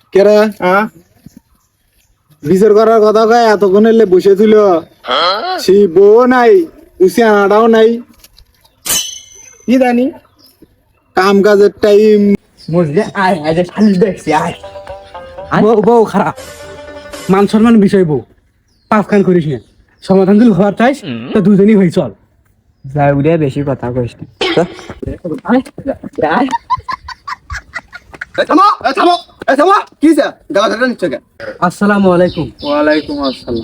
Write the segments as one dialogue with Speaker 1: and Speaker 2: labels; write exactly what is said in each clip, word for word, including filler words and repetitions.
Speaker 1: কেরা বিচার করার কথা কয় এতক্ষণ এলে বসে ছিল সেই বউ নাই উসি আনাটাও নাই কি জানি কাম কাজের টাইম
Speaker 2: বুঝলে আয় আয় যে শালিশ দেখছি আয় বউ বউ খারাপ মান সম্মান বিষয় বউ পাপ খান করিস না সমাধান যদি হওয়ার চাইস তো দুজনই হই চল
Speaker 3: যাই উড়ে বেশি কথা কইস না
Speaker 2: আয় আয়
Speaker 1: থামো থামো থামো কি স্যার গালা ধরে নিচ্ছ কেন?
Speaker 2: আসসালামু আলাইকুম।
Speaker 1: ওয়ালাইকুম আসসালাম।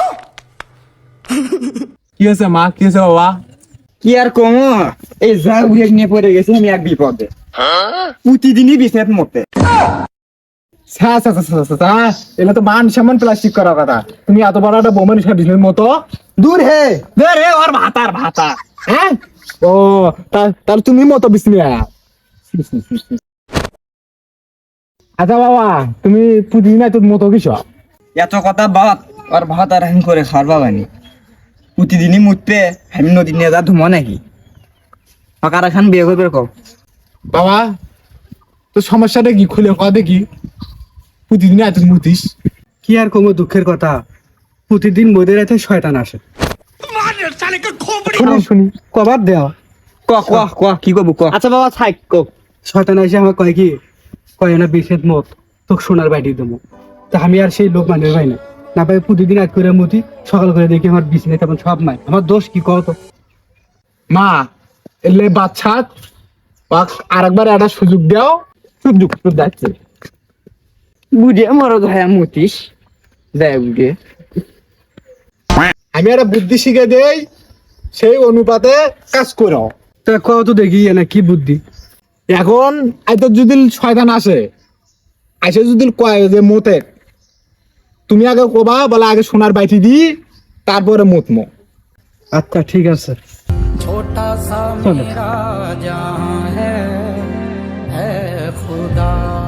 Speaker 1: কি আছে মা, কি আছে বাবা?
Speaker 3: কি আর কম এই যা উড়ে নিয়ে পড়ে গেছি আমি এক বিপদে প্রতিদিনই বিছানাত মতে
Speaker 1: এটা তো মান সম্মান প্লাস্টিক করার কথা, তুমি এত বড় একটা বোমান হিসাব বিজনেস মতো দূর হে দূর হে ওর ভাতার ভাতা হ্যাঁ ও তার তুমি মতো বিজনেস। আচ্ছা বাবা তুমি প্রতিদিন তোর মতো কিছু
Speaker 3: এত কথা বাদ আর ভাত আর হান করে খাওয়ার বাবানি প্রতিদিনই মুতবে আমি নদী নিয়ে যা ধুমো নাকি ফাঁকার খান বিয়ে করবে কম
Speaker 1: বাবা তোর সমস্যাটা কি খুলে কয়া দেখি প্রতিদিন এত মুতিস
Speaker 2: কি আর কম দুঃখের কথা প্রতিদিন মোদের রাতে শয়তান আসে
Speaker 1: শুনি শুনি
Speaker 2: কবার দেওয়া
Speaker 3: ক ক ক কি করবো ক
Speaker 2: আচ্ছা বাবা থাক কো শয়তান এসে আমার কয় কি কয় না বিশেষ মত তোকে সোনার বাড়ি দেবো তা আমি আর সেই লোক মানে ভাই না না ভাই প্রতিদিন আজ করে মুতি সকাল করে দেখি আমার বিছানায় তেমন সব নাই আমার দোষ কি কও তো
Speaker 1: মা এলে বাচ্চা আরেকবার একটা সুযোগ দাও সুযোগ তো যাচ্ছে
Speaker 3: বুঝে মরদ হয় মুতিস দেয় বুঝে
Speaker 1: আমি একটা বুদ্ধি শিখে দেই সেই অনুপাতে কাজ করো।
Speaker 2: তা কও তো দেখি না কি বুদ্ধি
Speaker 1: এখন আইতো যদি শয়তান আসে আসে যদি কয় যে মতে তুমি আগে কবা বলে আগে সোনার বাইটি দি তারপরে মতমো।
Speaker 2: আচ্ছা ঠিক আছে চলো।